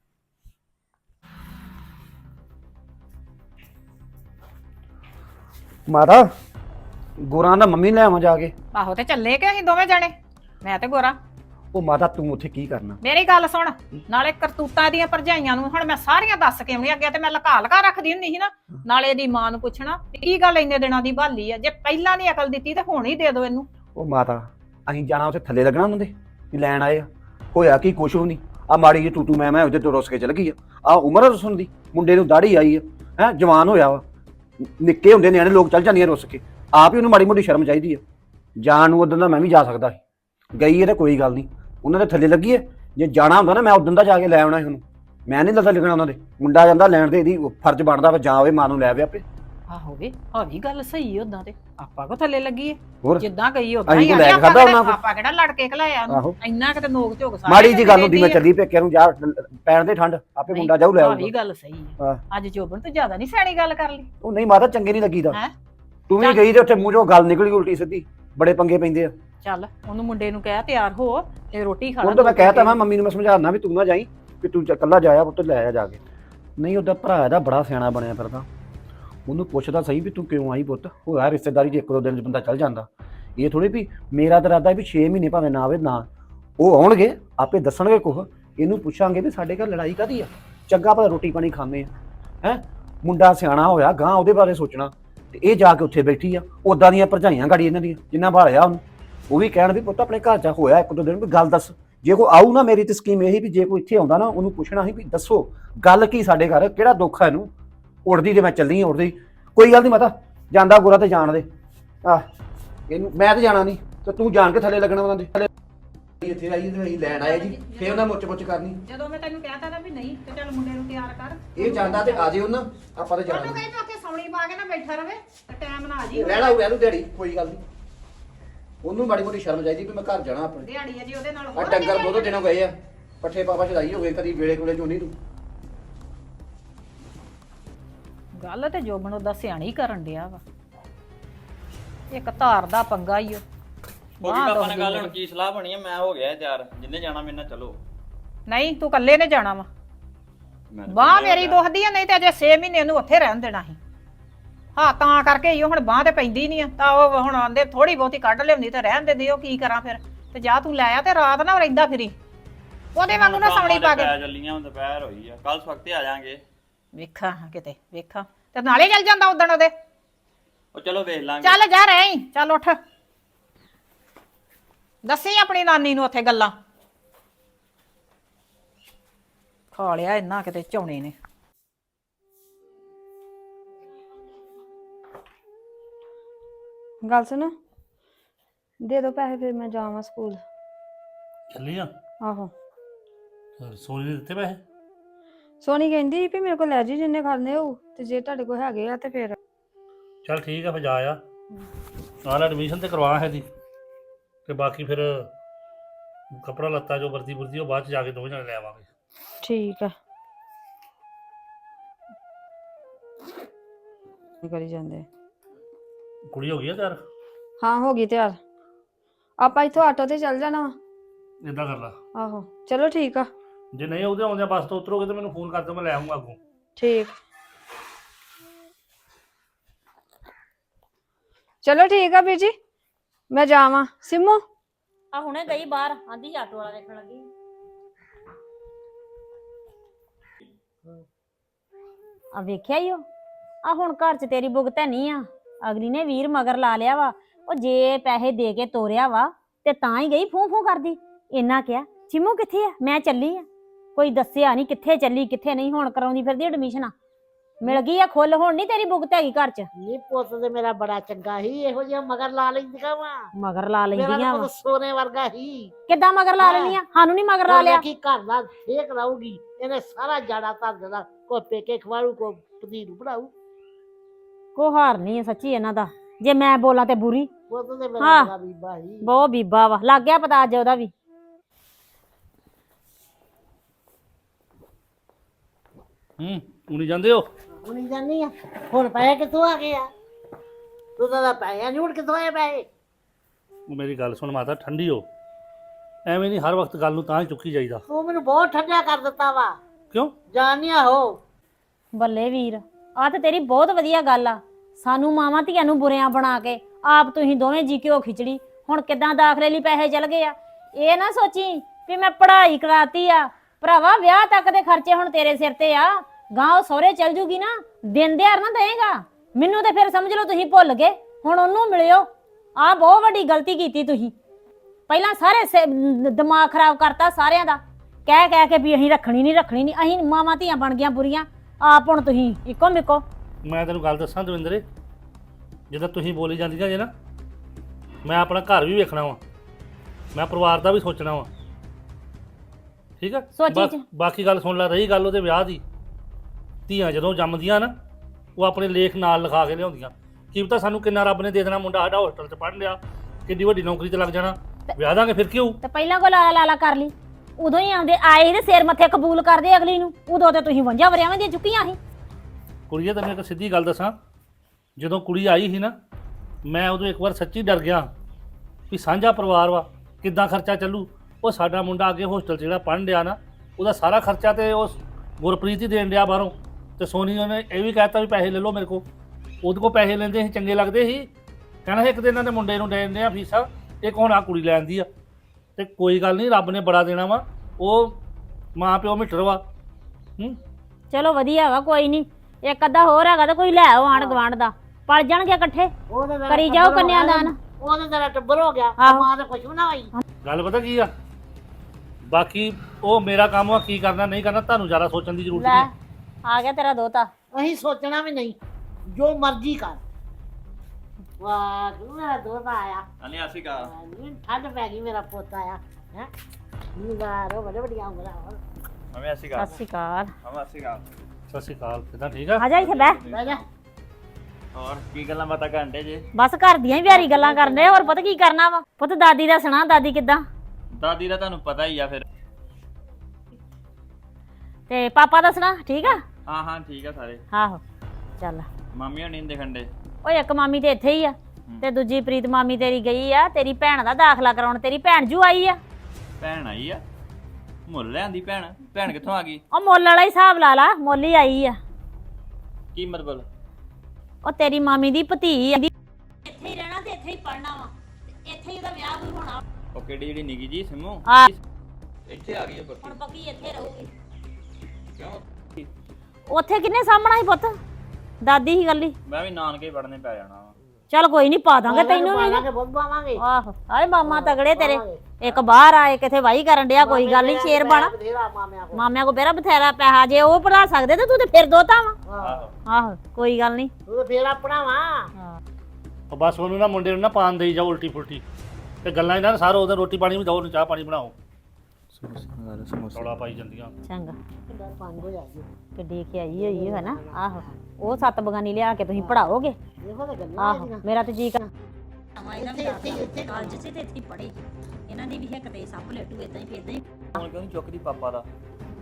S3: ਮਾਤਾ ਗੋਰਾਂ ਦਾ ਮੰਮੀ ਲੈ ਆਵਾਂ ਜਾ ਕੇ।
S1: ਆਹੋ ਤੇ ਚੱਲੇ ਕਿ ਅਸੀਂ ਦੋਵੇਂ ਜਾਣੇ, ਮੈਂ ਤੇ ਗੋਰਾ।
S3: ਉਹ ਮਾਤਾ ਤੂੰ ਉੱਥੇ ਕੀ ਕਰਨਾ?
S1: ਮੇਰੀ ਗੱਲ ਸੁਣ, ਨਾਲੇ ਕਰਤੂਤਾਂ ਦੀਆਂ ਭਰਜਾਈਆਂ ਨੂੰ ਹੁਣ ਮੈਂ ਸਾਰੀਆਂ ਦੱਸ ਕੇ ਆਉਣੀ। ਅੱਗੇ ਤੇ ਮੈਂ ਲਕਾ ਲਕਾ ਰੱਖਦੀ ਹੁੰਦੀ ਸੀ ਨਾ। ਨਾਲੇ ਇਹਦੀ ਮਾਂ ਨੂੰ ਪੁੱਛਣਾ ਕੀ ਗੱਲ ਇੰਨੇ ਦਿਨਾਂ ਦੀ ਬਹਾਲੀ ਆ, ਜੇ ਪਹਿਲਾਂ ਨਹੀਂ ਅਕਲ ਦਿੱਤੀ ਤੇ ਹੁਣ ਹੀ ਦੇ ਦਿਓ ਇਹਨੂੰ।
S3: ਉਹ ਮਾਤਾ ਅਸੀਂ ਜਾਣਾ ਉੱਥੇ ਥੱਲੇ ਲੱਗਣਾ ਉਹਨਾਂ ਦੇ ਵੀ ਲੈਣ ਆਏ ਆ, ਹੋਇਆ ਕੀ ਕੁਛ ਵੀ ਨਹੀਂ। ਆ ਮਾੜੀ ਜੀ ਤੂੰ ਮੈਂ ਉਹਦੇ ਤੋਂ ਰੁੱਸ ਕੇ ਚਲ ਗਈ ਆ ਉਮਰ ਰੁੱਸਣ ਦੀ। ਮੁੰਡੇ ਨੂੰ ਦਾੜੀ ਆਈ ਆ, ਹੈ ਜਵਾਨ ਹੋਇਆ ਵਾ। ਨਿੱਕੇ ਹੁੰਦੇ ਨਿਆਣੇ ਲੋਕ ਚੱਲ ਜਾਂਦੀਆਂ ਰੁੱਸ ਕੇ, ਆਪ ਹੀ ਉਹਨੂੰ ਮਾੜੀ ਮੋਟੀ ਸ਼ਰਮ ਚਾਹੀਦੀ ਆ। ਜਾਣ ਨੂੰ ਉਦੋਂ ਦਾ ਮੈਂ ਵੀ ਜਾ ਸਕਦਾ ਸੀ, ਗਈ ਹੈ ਤਾਂ ਕੋਈ ਗੱਲ ਨਹੀਂ, ਉਹਨਾਂ ਦੇ ਥੱਲੇ ਲੱਗੀ ਹੈ। ਜੇ ਜਾਣਾ ਹੁੰਦਾ ਨਾ ਮੈਂ ਉਦੋਂ ਦਾ ਜਾ ਕੇ ਲੈ ਆਉਣਾ ਸੀ ਉਹਨੂੰ। ਮੈਂ ਨਹੀਂ ਲੱਗਾ ਲਿਖਣਾ ਉਹਨਾਂ ਦੇ। ਮੁੰਡਾ ਜਾਂਦਾ ਲੈਣ ਤੇ ਇਹਦੀ ਫਰਜ਼ ਬਣਦਾ ਵਾ, ਜਾਂ ਹੋਵੇ ਮਾਂ ਨੂੰ ਲੈ ਆਵੇ ਆਪੇ।
S1: ਆਹੋ ਵੇ ਆ ਵੀ ਗੱਲ ਸਹੀ ਉਦਾਂ ਤੇ ਆਪਾਂ ਕੋ ਥੱਲੇ ਲੱਗੀ
S3: ਹੋਰ
S1: ਏ, ਜਿੱਦਾਂ ਗਈ ਉਦਾਂ
S3: ਅਸੀਂ
S1: ਹੀ
S3: ਲੈ
S1: ਆਣੀ।
S3: ਖਾਧਾ ਉਹਨਾਂ ਕੋਲ।
S1: ਆਪਾਂ ਕਿਹੜਾ ਲੜ ਕੇ ਘਲਾਇਆ
S3: ਆਹੋ।
S1: ਉਹਨੂੰ, ਇੰਨਾ ਕਿਤੇ ਨੋਕ ਝੋਕ ਸਾਰੇ
S3: ਮਾੜੀ ਜੀ ਗੱਲ ਹੁੰਦੀ, ਮੈਂ ਚੱਲੀ ਪੇਕਿਆਂ ਨੂੰ, ਜਾ ਪੈਣ ਦੇ ਠੰਡ, ਆਪੇ ਮੁੰਡਾ ਜਾਊ ਲੈ
S1: ਆ
S3: ਆਊਗਾ।
S1: ਵੀ ਗੱਲ ਸਹੀ ਹੈ।
S3: ਹਾਂ।
S1: ਅੱਜ ਜੋਬਨ ਤੋਂ ਜ਼ਿਆਦਾ ਨਹੀਂ ਸਿਆਣੀ ਗੱਲ ਕਰ ਲਈ।
S3: ਉਹ ਨਹੀਂ ਮਾਤਾ ਚੰਗੇ ਨਹੀਂ ਲੱਗੀਦਾ।
S1: ਹੈਂ?
S3: ਤੂੰ ਵੀ ਗਈ ਤੇ ਉੱਥੇ ਮੂੰਹ ਚੋਂ ਗੱਲ ਨਿਕਲੀ ਉਲਟੀ ਸਿੱਧੀ, ਬੜੇ ਪੰਗੇ ਪੈਂਦੇ ਆ।
S1: ਚੱਲ ਉਹਨੂੰ ਮੁੰਡੇ ਨੂੰ ਕਹਿ ਤਿਆਰ ਹੋ ਤੇ ਰੋਟੀ ਖਾ ਲੈ।
S3: ਹੁਣ ਤਾਂ ਮੈਂ ਕਹਿਤਾ, ਮੈਂ ਮੰਮੀ ਨੂੰ ਮੈਂ ਸਮਝਾਉਣਾ ਵੀ ਤੂੰ ਨਾ ਜਾਈ, ਵੀ ਤੂੰ ਇਕੱਲਾ ਜਾਇਆ ਪੁੱਤ, ਲੈ ਆ ਜਾ ਕੇ। ਨਹੀਂ ਉਹਦਾ ਭਰਾ ਇਹਦਾ ਬੜਾ ਸਿਆਣਾ ਬਣਿਆ ਫਿਰਦਾ, ਉਹਨੂੰ ਪੁੱਛਦਾ ਸਹੀ ਵੀ ਤੂੰ ਕਿਉਂ ਆਈ ਪੁੱਤ। ਹੋਇਆ ਰਿਸ਼ਤੇਦਾਰੀ 'ਚ ਇੱਕ ਦੋ ਦਿਨ 'ਚ ਬੰਦਾ ਚੱਲ ਜਾਂਦਾ। ਇਹ ਥੋੜੀ ਵੀ ਮੇਰਾ ਤਾਂ ਇਰਾਦਾ ਵੀ 6 ਮਹੀਨੇ ਭਾਵੇਂ ਨਾ ਆਵੇ ਨਾ, ਉਹ ਆਉਣਗੇ ਆਪੇ ਦੱਸਣਗੇ ਕੁਛ। ਇਹਨੂੰ ਪੁੱਛਾਂਗੇ ਵੀ ਸਾਡੇ ਘਰ ਲੜਾਈ ਕਾਹਦੀ ਆ, ਚੰਗਾ ਭਲਾ ਰੋਟੀ ਪਾਣੀ ਖਾਂਦੇ ਆ। ਹੈ ਮੁੰਡਾ ਸਿਆਣਾ ਹੋਇਆ, ਗਾਂ ਉਹਦੇ ਬਾਰੇ ਸੋਚਣਾ। ਤੇ ਇਹ ਜਾ ਕੇ ਉੱਥੇ ਬੈਠੀ ਆ, ਉਦਾਂ ਦੀਆਂ ਭਰਜਾਈਆਂ ਗਾੜੀ ਇਹਨਾਂ ਦੀਆਂ ਜਿੰਨਾ ਭਾਲਿਆ ਉਹਨੂੰ। ਉਹ ਵੀ ਕਹਿਣ ਵੀ ਪੁੱਤ ਆਪਣੇ ਘਰ 'ਚ ਹੋਇਆ ਇੱਕ ਦੋ ਦਿਨ, ਵੀ ਗੱਲ ਦੱਸ। ਜੇ ਕੋਈ ਆਊ ਨਾ, ਮੇਰੀ ਤੇ ਸਕੀਮ ਇਹੀ ਵੀ ਜੇ ਕੋਈ ਇੱਥੇ ਆਉਂਦਾ ਨਾ, ਉਹਨੂੰ ਪੁੱਛਣਾ ਸੀ ਵੀ ਦੱਸੋ ਗੱਲ ਕੀ, ਸਾਡੇ ਘਰ ਕਿਹੜਾ ਦੁੱਖ ਹੈ ਇਹਨੂੰ। ਉੜਦੀ ਤੇ ਮੈਂ ਚੱਲੀ ਉੜਦੀ, ਕੋਈ ਗੱਲ ਨਹੀਂ ਮਾਤਾ, ਜਾਂਦਾ ਗੋਰਾ ਤੇ ਜਾਣ ਦੇ। ਇਹਨੂੰ ਮੈਂ ਤੇ ਜਾਣਾ ਨਹੀਂ, ਤੇ ਤੂੰ ਜਾਣ ਕੇ ਥੱਲੇ ਲੱਗਣਾ ਉਹਨਾਂ ਦੇ ਥੱਲੇ। ਇੱਥੇ ਆਈ ਤੇ ਅਸੀਂ ਲੈਣ ਆਏ ਜੀ, ਫੇਰ ਉਹਨਾਂ ਮੁੱਚ ਮੁੱਚ ਕਰਨੀ।
S1: ਜਦੋਂ ਮੈਂ ਤੈਨੂੰ ਕਹਿਤਾ ਨਾ ਵੀ ਨਹੀਂ ਤੇ ਚੱਲ ਮੁੰਡੇ ਨੂੰ ਤਿਆਰ ਕਰ।
S3: ਇਹ ਜਾਂਦਾ ਤੇ ਆ ਜਿਓ ਨਾ, ਆਪਾਂ ਤੇ ਜਾਣਾ
S1: ਉਹਨੂੰ ਕਹੀ ਮੈਂ ਉੱਥੇ ਸੌਣੀ ਪਾ ਕੇ ਨਾ ਬੈਠਾ ਰਵੇ ਤੇ ਟਾਈਮ ਨਾ ਆ ਜੀ।
S3: ਰਹਿਣਾ ਹੋਇਆ ਨੂੰ ਦਿਹਾੜੀ, ਕੋਈ ਗੱਲ ਨਹੀਂ। ਉਹਨੂੰ ਮਾੜੀ ਮੋਟੀ ਸ਼ਰਮ ਚਾਹੀਦੀ ਵੀ ਮੈਂ ਘਰ ਜਾਣਾ ਆਪਣੇ।
S1: ਦਿਹਾੜੀ ਆ ਜੀ ਉਹਦੇ ਨਾਲ
S3: ਆ ਡੰਗਰ ਦੋ ਦਿਨੋਂ ਗਏ ਆ, ਪੱਠੇ ਪਾਪਾ ਛਦਾਈ ਹੋ ਗਏ ਕਦੀ ਵੇਲੇ ਕੋਲੇ ਜੋ ਨਹੀਂ ਤੂੰ
S1: ਗੱਲ ਤੇ ਜੋਬਨ ਉਹਦਾ ਸਿਆਣੀ ਕਰਨ ਡਿਆ ਵਾ ਇੱਕ ਧਾਰ ਦਾ ਪੰਗਾ ਹੀ ਓ
S2: ਉਹ ਵੀ ਪਾਪਾ ਨਾਲ ਗੱਲ ਹੁਣ ਕੀ ਸਲਾਹ ਬਣੀ ਆ ਮੈਂ ਹੋ ਗਿਆ ਤਿਆਰ ਜਿੰਨੇ ਜਾਣਾ ਮੇਰੇ ਨਾਲ ਚਲੋ
S1: ਨਹੀਂ ਤੂੰ ਇਕੱਲੇ ਨੇ ਜਾਣਾ ਵਾ
S2: ਮੈਂ ਤਾਂ
S1: ਬਾਹ
S2: ਇਕੱਲੇ
S1: ਮੇਰੀ ਦੁਖਦੀ ਆ ਨਹੀਂ ਤੇ ਅਜੇ 6 ਮਹੀਨੇ ਉਹਨੂੰ ਉੱਥੇ ਰਹਿਣ ਦੇਣਾ ਸੀ ਹਾਂ ਤਾਂ ਕਰਕੇ ਹੀ ਉਹ ਹੁਣ ਬਾਹ ਤੇ ਪੈਂਦੀ ਨਹੀਂ ਆ ਤਾਂ ਉਹ ਹੁਣ ਆਂਦੇ ਥੋੜੀ ਬਹੁਤੀ ਕੱਢ ਲਿਆਉਂਦੀ ਤੇ ਰਹਿਣ ਦਿੰਦੀ ਉਹ ਕੀ ਕਰਾਂ ਫਿਰ ਤੇ ਜਾ ਤੂੰ ਲੈ ਆ ਤੇ ਰਾਤ ਨਾ ਰਹਿੰਦਾ ਫਿਰੀ ਉਹਦੇ ਵਾਂਗੂ ਨਾ ਸੌਣੀ ਪਾ ਕੇ
S2: ਪੈ ਚੱਲੀਆਂ ਹੁਣ ਦੁਪਹਿਰ ਹੋਈ ਆ ਕੱਲ ਸਵਖਤੇ ਆ ਜਾਾਂਗੇ
S1: ਵੇਖਾਂ ਕਿਤੇ ਵੇਖਾਂ ਤੇ ਨਾਲੇ ਚੱਲ ਜਾਂਦਾ ਉਦਣ ਉਹਦੇ
S2: ਉਹ ਚਲੋ ਵੇਖ ਲਾਂਗੇ
S1: ਚੱਲ ਜਾ ਰਹੀ ਚੱਲ ਉੱਠ ਦੱਸੀ ਆਪਣੀ ਨਾਨੀ ਨੂੰ ਉੱਥੇ ਗੱਲਾਂ ਖਾ ਲਿਆ ਇੰਨਾ ਕਿਤੇ ਝੌਣੇ ਨੇ
S4: ਗੱਲ ਸੁਣ ਦੇ ਦੋ ਪੈਸੇ ਫਿਰ ਮੈਂ ਜਾਵਾਂ ਸਕੂਲ
S5: ਚੱਲੀ ਆ
S4: ਆਹੋ
S5: ਸੋਨੀ ਨੇ ਦਿੱਤੇ ਪੈਸੇ
S4: ਸੋਨੀ ਕਹਿੰਦੀ ਵੀ ਮੇਰੇ ਕੋਲ ਲੈ ਜੀ ਜਿੰਨੇ ਖੜਨੇ ਹੋ ਤੇ ਜੇ ਤੁਹਾਡੇ ਕੋਲ ਹੈਗੇ ਆ ਤੇ ਫਿਰ
S5: ਚੱਲ ਠੀਕ ਆ ਫਿਰ ਜਾ ਆ ਨਾਲ ਐਡਮਿਸ਼ਨ ਤੇ ਕਰਵਾ ਹੈ ਦੀ ਤੇ ਬਾਕੀ ਫਿਰ ਕੱਪੜਾ ਲੱਤਾ ਜੋ ਵਰਦੀ ਉਹ ਬਾਅਦ ਚ ਜਾ ਕੇ ਦੋਵੇਂ ਜਣੇ ਲੈ ਆਵਾਂਗੇ
S4: ਠੀਕ ਆ ਕੀ ਕਰੀ ਜਾਂਦੇ
S5: ਕੁੜੀ ਹੋ ਗਈ ਆ ਤਿਆਰ
S4: ਹਾਂ ਹੋ ਗਈ ਤਿਆਰ ਆਪਾਂ ਇੱਥੋਂ ਆਟੋ ਤੇ ਚੱਲ ਜਾਣਾ ਵਾ
S5: ਇਦਾਂ ਕਰ ਲਾ
S4: ਆਹੋ ਚਲੋ ਠੀਕ ਆ
S5: ਜੇ ਨਹੀਂ ਉਹਦੇ ਆਉਂਦੇ ਬੱਸ ਤੋਂ ਉਤਰੋਗੇ ਤੇ ਮੈਨੂੰ ਫੋਨ ਕਰ ਦਿਓ ਮੈਂ ਲੈ ਆਉਂਗਾ ਅੱਗੋਂ
S4: ਠੀਕ ਚਲੋ ਠੀਕ ਆ ਵੀਰ ਜੀ ਮੈਂ ਜਾਵਾਂ ਸਿੰਮੂ
S6: ਆ ਹੁਣੇ ਗਈ ਬਾਹਰ ਆਂਦੀ ਆਟੋ ਵਾਲਾ ਵੇਖਣ ਲੱਗੀ ਆ ਵੇਖਿਆ ਈ ਉਹ ਆ ਹੁਣ ਘਰ ਚ ਤੇਰੀ ਭੁਗਤ ਨਹੀਂ ਆ ਅਗਲੀ ਨੇ ਵੀਰ ਮਗਰ ਲਾ ਲਿਆ ਵਾ ਉਹ ਜੇ ਪੈਸੇ ਦੇ ਕੇ ਤੋਰਿਆ ਵਾ ਤੇ ਤਾਂ ਹੀ ਗਈ ਫੂੰ ਫੂੰ ਕਰਦੀ ਇੰਨਾ ਕਿਹਾ ਚਿਮੂ ਕਿੱਥੇ ਆ ਮੈਂ ਚੱਲੀ ਆ ਕੋਈ ਦੱਸਿਆ ਨਹੀਂ ਕਿੱਥੇ ਚੱਲੀ ਕਿੱਥੇ ਨਹੀਂ ਹੁਣ ਕਰਾਉਂਦੀ ਫਿਰਦੀ ਐਡਮਿਸ਼ਨ ਮਿਲ ਗਈ ਆ ਖੁੱਲ ਹੁਣ ਨਹੀਂ ਤੇਰੀ ਭੁਗਤ ਹੈਗੀ ਘਰ ਚ
S7: ਨੀ ਪੁੱਤ ਤੇ ਮੇਰਾ ਬੜਾ ਚੰਗਾ ਸੀ ਇਹੋ ਜਿਹਾ ਮਗਰ ਲਾ ਲੈਂਦੀਆਂ ਵਾ
S6: ਮਗਰ ਲਾ
S7: ਮੇਰਾ
S6: ਲੈਂਦੀਆਂ
S7: ਤਾਂ
S6: ਵਾ
S7: ਪੁੱਤ ਸੋਨੇ ਵਰਗਾ ਸੀ
S6: ਕਿੱਦਾਂ ਮਗਰ ਲਾ ਲੈਂਦੀਆਂ ਸਾਨੂੰ ਨਹੀਂ ਮਗਰ ਲਾ ਲਿਆ
S7: ਕੀ ਘਰ ਦਾ ਫੇਕ ਰਹੂਗੀ ਇਹਨੇ ਸਾਰਾ ਜਾੜਾ ਧਰ ਦੇਣਾ ਕੋਈ ਪੇਕੇ ਖਵਾੜੂ ਕੋ ਪਨੀਰ ਬਣਾਉ
S6: ਕੋ ਹਾਰ ਨਹੀਂ ਆ ਸੱਚੀ ਇਹਨਾਂ ਦਾ ਜੇ ਮੈਂ ਬੋਲਾਂ ਤੇ ਬੁਰੀ
S7: ਪੁੱਤ ਤੇ ਮੇਰਾ
S6: ਹਾਂ।
S7: ਬੜਾ ਬੀਬਾ ਸੀ
S6: ਬਹੁਤ ਬੀਬਾ ਵਾ ਲੱਗ ਗਿਆ ਪਤਾ ਅੱਜ ਉਹਦਾ ਵੀ
S5: ਉਣੀ ਜਾਂਦੇ ਹੋ
S7: ਹੁਣੀ ਜਾਨੀ ਆ ਹੁਣ ਪੈਸੇ ਕਿੱਥੋਂ ਆ ਗਏ ਆ ਤੂੰ ਤਾਂ ਪੈਸੇ ਨਹੀਂ ਹੁਣ ਕਿੱਥੋਂ ਆਏ ਪੈਸੇ
S5: ਉਹ ਮੇਰੀ ਗੱਲ ਸੁਣ ਮਾਤਾ ਠੰਡੀ ਹੋ ਐਵੇਂ ਨਹੀਂ ਹਰ ਵਕਤ ਗੱਲ ਨੂੰ ਤਾਂ ਹੀ ਚੁੱਕੀ ਜਾਈਦਾ
S7: ਤੂੰ ਮੈਨੂੰ ਬਹੁਤ ਠੰਡਾ ਕਰ ਦਿੱਤਾ ਵਾ
S5: ਕਿਉਂ
S7: ਜਾਨੀਆ ਹੋ
S6: ਬੱਲੇ ਵੀਰ ਆ ਤੇ ਤੇਰੀ ਬਹੁਤ ਵਧੀਆ ਗੱਲ ਆ ਸਾਨੂੰ ਮਾਵਾਂ ਧੀਆਂ ਨੂੰ ਬੁਰਿਆਂ ਬਣਾ ਕੇ ਆਪ ਤੁਸੀਂ ਦੋਵੇਂ ਜੀ ਘਿਓ ਖਿਚੜੀ ਹੁਣ ਕਿੱਦਾਂ ਦਾਖਲੇ ਲਈ ਪੈਸੇ ਚਲ ਗਏ ਆ ਇਹ ਨਾ ਸੋਚੀ ਵੀ ਮੈਂ ਪੜ੍ਹਾਈ ਕਰਾਤੀ ਆ ਭਰਾਵਾ ਵਿਆਹ ਤੱਕ ਦੇ ਖਰਚੇ ਹੁਣ ਤੇਰੇ ਸਿਰ ਤੇ ਆ ਗਾਂ ਉਹ ਸਹੁਰੇ ਚਲ ਜੂਗੀ ਨਾ ਦਿਨ ਦਿਹਾੜ ਨਾ ਦੇਗਾ ਮੈਨੂੰ ਤੇ ਫਿਰ ਸਮਝ ਲਓ ਤੁਸੀਂ ਭੁੱਲ ਗਏ ਹੁਣ ਉਹਨੂੰ ਮਿਲਿਓ ਆ ਬਹੁਤ ਵੱਡੀ ਗਲਤੀ ਕੀਤੀ ਤੁਸੀਂ ਪਹਿਲਾਂ ਸਾਰੇ ਦਿਮਾਗ ਖਰਾਬ ਕਰਤਾ ਸਾਰਿਆਂ ਦਾ ਕਹਿ ਕੇ ਵੀ ਅਸੀਂ ਰੱਖਣੀ ਨਹੀਂ ਅਸੀਂ ਮਾਵਾਂ ਧੀਆਂ ਬਣ ਗਈਆਂ ਬੁਰੀਆਂ ਆਪ ਹੁਣ ਤੁਸੀਂ ਇੱਕੋ ਮਿੱਕੋ
S5: ਮੈਂ ਤੈਨੂੰ ਗੱਲ ਦੱਸਾਂ ਦਵਿੰਦਰੇ ਜਦੋਂ ਤੁਸੀਂ ਬੋਲੀ ਜਾਂਦੀਆਂ ਜੇ ਨਾ ਮੈਂ ਆਪਣਾ ਘਰ ਵੀ ਵੇਖਣਾ ਵਾ ਮੈਂ ਪਰਿਵਾਰ ਦਾ ਵੀ ਸੋਚਣਾ ਵਾ ਠੀਕ ਆ
S6: ਸੋਚੀ ਚ।
S5: ਬਾਕੀ ਗੱਲ ਸੁਣ ਲੈ ਰਹੀ ਗੱਲ ਉਹਦੇ ਵਿਆਹ ਦੀ ਧੀਆਂ ਜਦੋਂ ਜੰਮਦੀਆਂ ਨਾ ਉਹ ਆਪਣੇ ਲੇਖ ਨਾਲ ਲਿਖਾ ਕੇ ਲਿਆਉਂਦੀਆਂ ਕੀ ਪਤਾ ਸਾਨੂੰ ਕਿੰਨਾ ਰੱਬ ਨੇ ਦੇ ਦੇਣਾ ਮੁੰਡਾ ਸਾਡਾ ਹੋਸਟਲ 'ਚ ਪੜ੍ਹ ਲਿਆ ਕਿੱਡੀ ਵੱਡੀ ਨੌਕਰੀ ਤੇ ਲੱਗ ਜਾਣਾ ਵਿਆਹ ਦਾਂਗੇ ਫਿਰ ਕਿਉਂ
S6: ਤੇ ਪਹਿਲਾਂ ਕੋ ਲਾਲਾ ਕਰ ਲਈ ਉਦੋਂ ਹੀ ਆਉਂਦੇ ਆਏ ਤੇ ਸਿਰ ਮੱਥੇ ਕਬੂਲ ਕਰਦੇ ਅਗਲੀ ਨੂੰ ਉਦੋਂ ਤੇ ਤੁਸੀਂ ਵੰਜਾਂ ਵਰਿਆਵਾਂ ਦੀਆਂ ਚੁੱਕੀਆਂ ਸੀ
S5: ਕੁੜੀਏ ਤੈਨੂੰ ਇੱਕ ਸਿੱਧੀ ਗੱਲ ਦੱਸਾਂ ਜਦੋਂ ਕੁੜੀ ਆਈ ਸੀ ਨਾ ਮੈਂ ਉਦੋਂ ਇੱਕ ਵਾਰ ਸੱਚੀ ਡਰ ਗਿਆ ਵੀ ਸਾਂਝਾ ਪਰਿਵਾਰ ਵਾ ਕਿੱਦਾਂ ਖਰਚਾ ਚੱਲੂ ਉਹ ਸਾਡਾ ਮੁੰਡਾ ਅੱਗੇ ਹੋਸਟਲ 'ਚ ਜਿਹੜਾ ਪੜ੍ਹਨ ਡਿਆ ਨਾ ਉਹਦਾ ਸਾਰਾ ਖਰਚਾ ਤੇ ਉਸ ਗੁਰਪ੍ਰੀਤ ਹੀ ਦੇਣ ਡਿਆ ਬਾਹਰੋਂ ਤੇ ਸੋਨੀ ਉਹਨੇ ਇਹ ਵੀ ਕਹਿਤਾ ਵੀ ਪੈਸੇ ਲੈ ਲਓ ਮੇਰੇ ਕੋਲ ਉਹਦੇ ਕੋਲ ਪੈਸੇ ਲੈਂਦੇ ਸੀ ਚੰਗੇ ਲੱਗਦੇ ਸੀ ਕਹਿੰਦਾ ਇੱਕ ਦਿਨ ਇਹਨਾਂ ਦੇ ਮੁੰਡੇ ਨੂੰ ਦੇਣ ਡਿਆ ਫੀਸਾਂ ਇੱਕ ਹੁਣ ਆ ਕੁੜੀ ਲੈਂਦੀ ਆ ਤੇ ਕੋਈ ਗੱਲ ਨਹੀਂ ਰੱਬ ਨੇ ਬੜਾ ਦੇਣਾ ਵਾ ਉਹ ਮਾਂ ਪਿਓ ਮਿੱਟਰ ਵਾ
S6: ਚਲੋ ਵਧੀਆ ਵਾ ਕੋਈ ਨਹੀਂ ਇੱਕ ਅੱਧਾ ਹੋਰ ਹੈਗਾ ਤਾਂ ਕੋਈ ਲੈ ਆਓ ਆਂਢ ਗੁਆਂਢ ਦਾ ਪਲ ਜਾਣਗੇ ਇਕੱਠੇ
S7: ਉਹਦੇ ਨਾਲ
S6: ਕਰੀ ਜਾਓ ਕੰਨਿਆਦਾਨ
S7: ਉਹਦੇ ਨਾਲ ਟੱਬਰ ਹੋ ਗਿਆ
S6: ਆਹੋ।
S7: ਮਾਂ ਤਾਂ ਕੁਛ ਵੀ ਨਾ ਹੋਈ
S5: ਗੱਲ ਪਤਾ ਕੀ ਆ ਬਾਕੀ ਉਹ ਮੇਰਾ ਕੰਮ ਆ ਕੀ ਕਰਨਾ ਨਹੀਂ ਕਰਨਾ ਤੁਹਾਨੂੰ ਜ਼ਿਆਦਾ ਸੋਚਣ ਦੀ ਜ਼ਰੂਰਤ
S6: ਲੈ
S5: ਨਹੀਂ
S6: ਆ ਗਿਆ ਤੇਰਾ ਦੋਤਾ
S7: ਅਸੀਂ ਸੋਚਣਾ ਵੀ ਨਹੀਂ ਜੋ ਮਰਜ਼ੀ ਕਰ ਵਾਹ ਮੇਰਾ ਦੋਸਤ ਆਇਆ
S2: ਅਨੇ ਅਸੀਂ ਕਾ
S7: ਨੀ ਠੰਡ ਪੈ ਗਈ ਮੇਰਾ ਪੁੱਤ ਆਇਆ ਹੈ ਨਿਗਾਰੋ ਬੜੇ ਵੱਡੀਆਂ ਉਂਗਲਾਂ
S2: ਅਮੇ ਅਸੀਂ
S6: ਸਤਿ
S2: ਕਾ
S6: ਸ਼੍ਰੀ ਅਕਾਲ
S2: ਅਮੇ ਅਸੀਂ ਕਾ
S5: ਸਤਿ ਸ਼੍ਰੀ ਅਕਾਲ ਕਿੱਦਾਂ ਠੀਕ ਆ
S6: ਆ ਜਾ ਇੱਥੇ ਬਹਿ
S7: ਬਹਿ ਜਾ
S2: ਹੋਰ ਕੀ ਗੱਲਾਂ ਬਾਤਾਂ ਕਰਦੇ ਜੇ
S6: ਬਸ ਘਰ ਦੀਆਂ ਹੀ ਵਿਹਾਰੀ ਗੱਲਾਂ ਕਰਨੇ ਹੋਰ ਪਤਾ ਕੀ ਕਰਨਾ ਵਾ ਪੁੱਤ ਦਾਦੀ ਦਾ ਸੁਣਾ ਦਾਦੀ ਕਿੱਦਾਂ
S2: ਦਾਦੀ ਦਾ ਤੁਹਾਨੂੰ ਪਤਾ ਹੀ ਆ ਫਿਰ
S6: ਤੇ ਪਾਪਾ ਦੱਸਣਾ ਠੀਕ ਆ?
S2: ਹਾਂ ਹਾਂ ਠੀਕ ਆ ਸਾਰੇ।
S6: ਆਹੋ ਚੱਲ।
S2: ਮਾਮੀ ਹੋਣੀ ਨੀ ਦਿਖਣ ਡੇ।
S6: ਓਏ ਇੱਕ ਮਾਮੀ ਤੇ ਇੱਥੇ ਹੀ ਆ ਤੇ ਦੂਜੀ ਪ੍ਰੀਤ ਮਾਮੀ ਤੇਰੀ ਗਈ ਆ ਤੇਰੀ ਭੈਣ ਦਾ ਦਾਖਲਾ ਕਰਾਉਣ। ਤੇਰੀ ਭੈਣ ਜੂ ਆਈ ਆ।
S2: ਭੈਣ ਆਈ ਆ? ਮੁੱਲ ਲਿਆਂਦੀ ਭੈਣ? ਭੈਣ ਕਿੱਥੋਂ ਆ ਗਈ?
S6: ਉਹ ਮੁੱਲ ਵਾਲਾ ਹੀ ਹਿਸਾਬ ਲਾ ਲਾ, ਮੁੱਲ ਹੀ ਆਈ ਆ।
S2: ਕੀ ਮਤਲਬ?
S6: ਉਹ ਤੇਰੀ ਮਾਮੀ ਦੀ ਭਤੀ ਆ। ਇੱਥੇ ਹੀ ਰਹਿਣਾ ਤੇ ਇੱਥੇ ਹੀ ਪੜਨਾ ਵਾ, ਇੱਥੇ ਹੀ ਉਹਦਾ ਵਿਆਹ ਵੀ ਹੋਣਾ।
S2: ਉਹ ਕਿਹੜੀ ਜਿਹੜੀ ਨਿੱਕੀ ਜੀ ਸਿਮੂ
S6: ਆ
S2: ਇੱਥੇ ਆ ਗਈ ਆ ਪੱਕੀ?
S6: ਹੁਣ ਪੱਕੀ ਇੱਥੇ ਰਹੂਗੀ।
S2: ਕਿਉਂ?
S6: ਉੱਥੇ ਕਿੰਨੇ ਸਾਹਮਣਾ ਸੀ ਪੁੱਤ? ਦਾਦੀ ਹੀ ਗੱਲੀ।
S2: ਮੈਂ ਵੀ ਨਾਨਕੇ ਪੜਨੇ ਪੈ ਜਾਣਾ ਵਾ।
S6: ਚੱਲ ਕੋਈ ਨਹੀਂ ਪਾ ਦਾਂਗੇ ਤੈਨੂੰ ਵੀ।
S7: ਪਾਵਾਂਗੇ ਬਹੁਤ ਪਾਵਾਂਗੇ।
S6: ਆਹੋ ਆਏ ਮਾਮਾ ਤਗੜੇ ਤੇਰੇ। ਇੱਕ ਬਾਹਰ ਆਏ ਕਿਥੇ ਵਾਹੀ ਕਰਨ ਡਿਆ, ਕੋਈ ਗੱਲ ਨਹੀਂ ਸ਼ੇਰ ਬਣ।
S7: ਬਥੇਰਾ ਮਾਮਿਆਂ ਕੋਲ।
S6: ਮਾਮਿਆਂ ਕੋ ਬੇਰਾ ਬਥੇਰਾ ਪੈਸਾ, ਜੇ ਉਹ ਪੜਾ ਸਕਦੇ ਤੇ ਤੂੰ ਤੇ ਫਿਰ ਦੋਤਾ ਵਾ।
S2: ਆਹੋ
S6: ਆਹੋ ਕੋਈ ਗੱਲ ਨਹੀਂ।
S7: ਤੂੰ ਤਾਂ ਫੇਰ ਆਪਣਾ ਵਾ।
S5: ਉਹ ਬਸ ਉਹਨੂੰ ਨਾ ਮੁੰਡੇ ਨੂੰ ਨਾ ਪਾਣ ਦੇਈ ਜਾਓ ਉਲਟੀ ਫੁਲਟੀ ਤੇ ਗੱਲਾਂ ਇਹਨਾਂ ਸਾਰਾ ਉਹਦਾ ਰੋਟੀ ਪਾਣੀ ਵੀ ਦਿਓ, ਉਹਨੂੰ ਚਾਹ ਪਾਣੀ ਬਣਾਓ। ਥੋੜਾ ਪਾਈ ਜਾਂਦੀਆਂ।
S6: ਚੰਗਾ
S7: ਪੰਜ ਹੋ ਜਾਏ।
S6: ਕਿੱਡੀ ਕੇ ਆਈ ਹੋਈ ਹੈ ਨਾ। ਆਹੋ ਉਹ ਸੱਤ ਬਗਾਨੀ ਲਿਆ ਕੇ ਤੁਸੀਂ ਪੜਾਓਗੇ।
S7: ਦੇਖੋ ਤਾਂ ਗੱਲਾਂ
S6: ਆਹੋ ਮੇਰਾ ਤੇ ਜੀ ਕਰ
S1: ਕਾਲਜ 'ਚ ਤੇ ਇੱਥੇ ਪੜ੍ਹੇ ਇਹਨਾਂ ਦੀ ਵੀ ਹਿੱਕ ਤੇ ਸੱਪ ਲੇਟੂ ਇਦਾਂ ਹੀ ਫੇਰਦੇ ਹੀ।
S2: ਹੁਣ ਕਿਉਂ ਨੀ ਚੁੱਕਦੀ ਪਾਪਾ ਦਾ?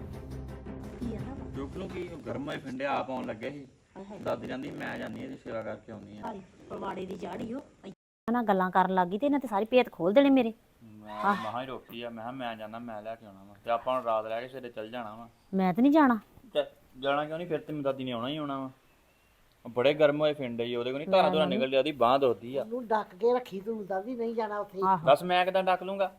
S1: ਕੀ ਆ ਨਾ
S2: ਚੁੱਕ ਲੂ ਕੀ? ਗਰਮ ਹੋਏ ਫਿੰਡੇ ਆਪ ਆਉਣ ਲੱਗੇ ਸੀ। ਦਾਦੀ ਜਾਂਦੀ ਮੈਂ ਜਾਂਦੀ ਇਹਦੀ ਸੇਵਾ ਕਰਕੇ ਆਉਂਦੀ ਆ।
S1: ਭਾਰੀ ਪਵਾੜੇ ਦੀ ਜਾੜੀ ਹੋ
S6: ਨਾ ਗੱਲਾਂ ਕਰਨ ਲੱਗੀ ਤੇ ਇਹਨਾਂ ਤੇ ਸਾਰੀ ਭੇਤ ਖੋਲ ਦੇਣੇ ਮੇਰੇ।
S2: ਮੈਂ ਮਹਾਂ ਹੀ ਰੋਕੀ ਆ। ਮੈਂ ਕਿਹਾ ਮੈਂ ਜਾਣਾ, ਮੈਂ ਲੈ ਕੇ ਆਉਣਾ ਵਾ ਤੇ ਆਪਾਂ ਹੁਣ ਰਾਤ ਰਹਿ ਕੇ ਸਵੇਰੇ ਚੱਲ ਜਾਣਾ ਵਾ।
S6: ਮੈਂ ਤੇ ਨਹੀਂ ਜਾਣਾ।
S2: ਜਾਣਾ ਕਿਉਂ ਨਹੀਂ? ਫਿਰ ਤੇ ਮੇਰੀ ਦਾਦੀ ਨੇ ਆਉਣਾ ਹੀ ਆਉਣਾ ਵਾ। ਉਹ ਬੜੇ ਗਰਮ ਹੋਏ ਫਿੰਡੇ ਹੀ ਉਹਦੇ ਕੋਲ ਨਹੀਂ ਧਾਰਾਂ ਧੁਰਾਂ ਨਿਕਲ ਜਾਂਦੀ, ਬਾਂਹ ਦੁਖਦੀ ਆ।
S7: ਉਹਨੂੰ ਡੱਕ ਕੇ ਰੱਖੀ ਤੂੰ ਦਾਦੀ ਨਹੀਂ ਜਾਣਾ ਉੱਥੇ।
S2: ਬਸ ਮੈਂ ਕਿਦਾਂ ਡੱਕ ਲੂੰਗਾ?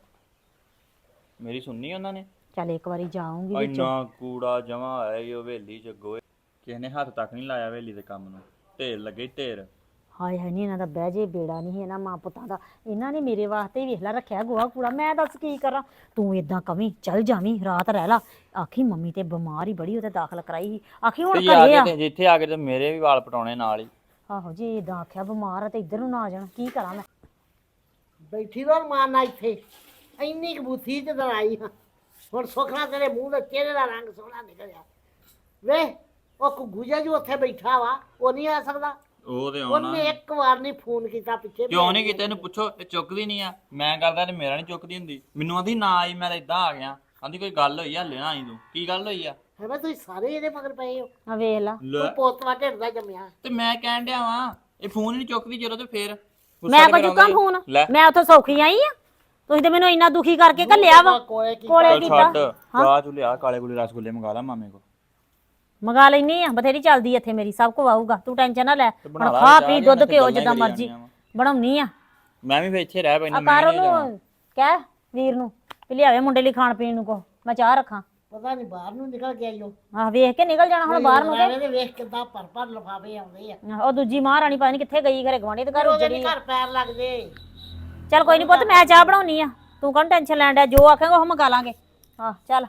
S2: ਮੇਰੀ ਸੁਣਨੀ ਉਹਨਾਂ ਨੇ?
S6: ਚੱਲ ਇੱਕ ਵਾਰੀ ਜਾਊਂਗੀ ਵਿੱਚ।
S2: ਇੰਨਾ ਕੂੜਾ ਜਮਾ ਹੋਇਆ ਈ ਉਹ ਹਵੇਲੀ ਚ ਗੋਏ। ਕਿਸੇ ਨੇ ਹੱਥ ਤੱਕ ਨਹੀਂ ਲਾਇਆ ਹਵੇਲੀ ਦੇ ਕੰਮ ਨੂੰ। ਢੇਰ ਲੱਗੇ ਢੇਰ।
S6: ਹਾਏ ਹਾਏ ਨਹੀਂ ਇਹਨਾਂ ਦਾ ਬਹਿ ਜੇ ਬੇੜਾ ਨਹੀਂ ਇਹਨਾਂ ਮਾਂ ਪੁੱਤਾਂ ਦਾ। ਇਹਨਾਂ ਨੇ ਮੇਰੇ ਵਾਸਤੇ ਵੇਖ ਲੈ ਰੱਖਿਆ ਗੋਹਾ ਕੂੜਾ। ਮੈਂ ਦੱਸ ਕੀ ਕਰਾਂ? ਤੂੰ ਇਦਾਂ ਕਵੀਂ ਚੱਲ ਜਾਵੀਂ ਰਾਤ ਰਹਿ ਲਾ। ਆਖੀ ਮੰਮੀ ਤੇ ਬਿਮਾਰ ਹੀ ਬੜੀ, ਉਹਦੇ ਦਾਖਲ ਕਰਾਈ ਸੀ। ਆਖੀ ਹੁਣ ਘਰੇ ਆ।
S2: ਜਿੱਥੇ ਆ ਕੇ ਤੇ ਮੇਰੇ ਵੀ ਵਾਲ ਪਟਾਉਣੇ ਨਾਲ ਹੀ।
S6: ਆਹੋ ਜੀ ਇਦਾਂ ਆਖਿਆ ਬਿਮਾਰ ਆ ਤੇ ਇੱਧਰ ਨੂੰ ਨਾ ਆ ਜਾਣਾ। ਕੀ ਕਰਾਂ ਮੈਂ?
S7: ਬੈਠੀ ਰੋ ਮਾਰਨਾ ਇੱਥੇ। ਇੰਨੀ ਕਬੂਥੀ ਚ ਦਰਾਈ ਹਾਂ। ਹੁਣ ਸੁਖਣਾ ਤੇਰੇ ਮੂੰਹ ਦੇ ਚਿਹਰੇ ਦਾ ਰੰਗ ਸੋਹਣਾ ਨਿਕਲਿਆ। ਵੇ ਉਹ ਘੁੱਗੂ ਜਿਹਾ ਜੋ ਉੱਥੇ ਬੈਠਾ ਵਾ, ਉਹ ਨਹੀਂ ਆ ਸਕਦਾ।
S2: ਉਹ ਤੇ ਆਉਣਾ।
S7: ਉਹਨੇ ਇੱਕ ਵਾਰ ਨਹੀਂ ਫੋਨ ਕੀਤਾ ਪਿੱਛੇ।
S2: ਕਿਉਂ ਨਹੀਂ ਕੀਤਾ? ਇਹਨੂੰ ਪੁੱਛੋ। ਇਹ ਚੁੱਕਦੀ ਨਹੀਂ ਆ। ਮੈਂ ਕਰਦਾ ਤੇ ਮੇਰਾ ਨਹੀਂ ਚੁੱਕਦੀ ਹੁੰਦੀ। ਮੈਨੂੰ ਆਂਦੀ ਨਾ ਆਈ, ਮੈਂ ਤਾਂ ਇਦਾਂ ਆ ਗਿਆ। ਆਂਦੀ ਕੋਈ ਗੱਲ ਹੋਈ ਆ? ਹਲੇ ਨਾ ਆਈ ਤੂੰ। ਕੀ ਗੱਲ ਹੋਈ ਆ?
S7: ਹੈ ਮੈਂ ਤੁਸੀਂ ਸਾਰੇ ਇਹਦੇ ਮਗਰ ਪਏ ਹੋ।
S6: ਆ ਵੇਖ ਲਾ।
S7: ਤੂੰ ਪੋਤਵਾ ਢਿੱਡ ਦਾ ਜੰਮਿਆ।
S2: ਤੇ ਮੈਂ ਕਹਿਣ ਡਿਆ ਵਾਂ ਇਹ ਫੋਨ ਨਹੀਂ ਚੁੱਕਦੀ ਜਦੋਂ, ਤੇ ਫੇਰ ਗੁੱਸਾ
S6: ਮੈਂ
S2: ਤੇ
S6: ਕੋ
S2: ਕਰਾਉਂਦਾ
S6: ਚੁੱਕਾਂ
S2: ਹੀ।
S6: ਫੋਨ?
S2: ਲੈ
S6: ਮੈਂ ਉੱਥੋਂ ਸੌਖੀ ਆਈ ਆ? ਤੁਸੀਂ ਤੇ ਮੈਨੂੰ ਇੰਨਾ ਦੁਖੀ ਕਰਕੇ ਘੱਲਿਆ ਵਾ।
S7: ਕੋਲੇ ਕੀ
S6: ਕੋਲੇ
S2: ਚੱਲ
S6: ਕੀਤਾ।
S2: ਛੱਡ। ਰਾਹ ਚ ਲਿਆ ਕਾਲੇ ਗੁਲੇ ਰਸਗੁੱਲੇ ਮੰਗਾ ਲਾ ਮਾਮੇ ਕੋ।
S6: ਮੰਗਾ ਲੈਣੀ ਆ, ਬਥੇਰੀ ਚੱਲਦੀ ਇੱਥੇ ਮੇਰੀ। ਸਭ ਕੁ ਆਊਗਾ, ਤੂੰ ਟੈਨਸ਼ਨ ਨਾ ਲੈ।
S2: ਬਣਾ
S6: ਹੁਣ
S2: ਲਾ
S6: ਖਾ
S2: ਚਾਹ
S6: ਪੀ
S2: ਦੀਆਂ
S6: ਦੁੱਧ
S2: ਤੇ
S6: ਘਿਓ
S2: ਗੱਲਾਂ ਹੀ
S6: ਜਿੱਦਾਂ
S2: ਕਰੀ
S6: ਮਰਜ਼ੀ
S2: ਜਾਂਦੀਆਂ ਵਾਂ।
S6: ਬਣਾਉਣੀ ਆ।
S2: ਮੈਂ ਵੀ ਫੇ ਇੱਥੇ ਰਹਿ ਪੈਣਾ।
S6: ਆ ਕਰ ਉਹਨੂੰ ਕਹਿ ਵੀਰ ਨੂੰ ਵੀ ਲਿਆਵੇ ਮੁੰਡੇ ਲਈ ਖਾਣ ਪੀਣ ਨੂੰ ਕੋ, ਮੈਂ ਚਾਹ ਰੱਖਾਂ।
S7: ਪਤਾ ਨਹੀਂ ਬਾਹਰ ਨੂੰ ਨਿਕਲ ਗਿਆ ਈਓ।
S6: ਆਹ ਵੇਖ ਕੇ ਨਿਕਲ ਜਾਣਾ ਹੁਣ ਬਾਹਰ ਨੂੰ ਕੇ।
S7: ਇਹਦੇ ਵੇਖ ਕਿੱਦਾਂ ਭਰ ਲਫਾਫੇ ਆਉਂਦੇ ਆ।
S6: ਉਹ ਦੂਜੀ ਮਹਾਰਾਣੀ ਪਤਾ ਨਹੀਂ ਕਿੱਥੇ ਗਈ, ਘਰੇ ਗਵਾਂਢੀ ਦੇ ਘਰ
S7: ਉਹਦੇ
S6: ਉੱਜੜੀ
S7: ਨੀ ਘਰ ਪੈਰ ਲੱਗਦੇ।
S6: ਚੱਲ ਕੋਈ ਨਹੀਂ ਪੁੱਤ, ਮੈਂ ਚਾਹ ਬਣਾਉਣੀ ਆ। ਤੂੰ ਕੌਣ ਟੈਨਸ਼ਨ ਲੈਣ ਡਿਆ? ਜੋ ਆਖੇਂਗਾ ਉਹ ਮੰਗਾ ਲਾਂਗੇ। ਹਾਂ ਚੱਲ।